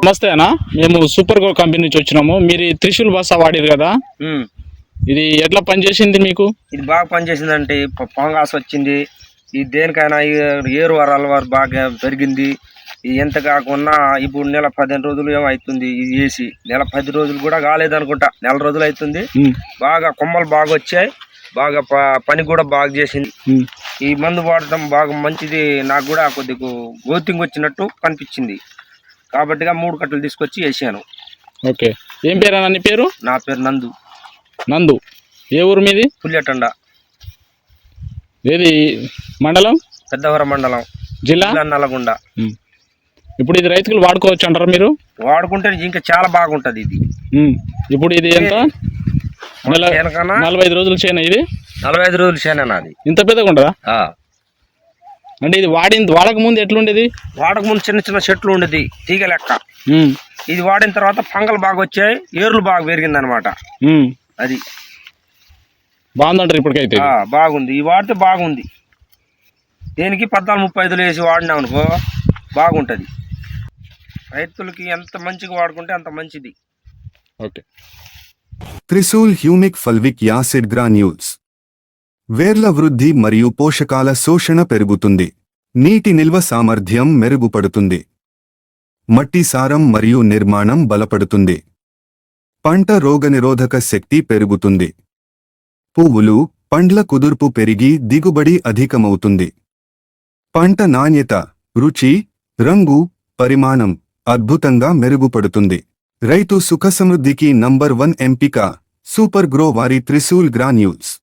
నమస్తే అన్న, మేము సూపర్ గో కంపెనీ నుంచి వచ్చినాము. మీరు త్రిశూల్ బస్సా వాడేది కదా, ఇది ఎట్లా పనిచేసింది మీకు? ఇది బాగా పనిచేసిందంటే పొంగాస్ వచ్చింది. ఇది దేనికైనా ఏరు వరాల వారు బాగా పెరిగింది. ఎంత కాకుండా ఇప్పుడు నెల 15 రోజులు ఏమవుతుంది ఇది వేసి, నెల 10 రోజులు కూడా కాలేదనుకుంటా, నెల రోజులు అవుతుంది. బాగా కొమ్మలు బాగా వచ్చాయి, బాగా పని కూడా బాగా చేసింది. ఈ మందు వాడటం బాగా మంచిది. నాకు కూడా కొద్దిగా గోతింగ్ వచ్చినట్టు కనిపించింది కాబట్టి 3 కట్టలు తీసుకొచ్చి వేసాను. ఓకే, ఏం పేరు అన్న నీ పేరు? నా పేరు నందు. నందు, ఏ ఊరు మీది? పుల్లెటండ. ఏది మండలం? పెద్దవరం మండలం, జిల్లా నల్లగొండ. ఇప్పుడు ఇది రైతులు వాడుకోవచ్చు అంటారా మీరు? వాడుకుంటే ఇంకా చాలా బాగుంటది ఇది. ఇప్పుడు ఇది ఎంత? 45 రోజులు చేన ఇది? 45 రోజులు చేన నాది. ఇంత పెద్దగా ఉండదా? అంటే ఇది వాడక ముందు ఎట్లుండేది? వాడక ముందు చిన్న చిన్న చెట్లు ఉండేది, తీగ లెక్క. ఇది వాడిన తర్వాత పంగలు బాగా వచ్చాయి, ఏర్లు బాగా పెరిగింది అనమాట. అది బాగుందంటారు ఇప్పటికైతే? బాగుంది, ఈ వాడితే బాగుంది. దేనికి 14-35 వేసి వాడినాం అనుకో బాగుంటుంది. రైతులకి ఎంత మంచిగా వాడుకుంటే అంత మంచిది. Okay. Trishul humic fulvic acid granules వేర్ల వృద్ధి మరియు పోషకాల శోషణ పెరుగుతుంది. నీటి నిల్వ సామర్థ్యం మెరుగుపడుతుంది. మట్టి సారం మరియు నిర్మాణం బలపడుతుంది. పంట రోగనిరోధక శక్తి పెరుగుతుంది. పువ్వులు, పండ్ల కుదుర్పు పెరిగి దిగుబడి అధికమవుతుంది. పంట నాణ్యత, రుచి, రంగు, పరిమాణం అద్భుతంగా మెరుగుపడుతుంది. రైతు సుఖసమృద్ధికి నంబర్ 1 ఎంపిక సూపర్ గ్రో వారి త్రిశూల్ గ్రాన్యూల్స్.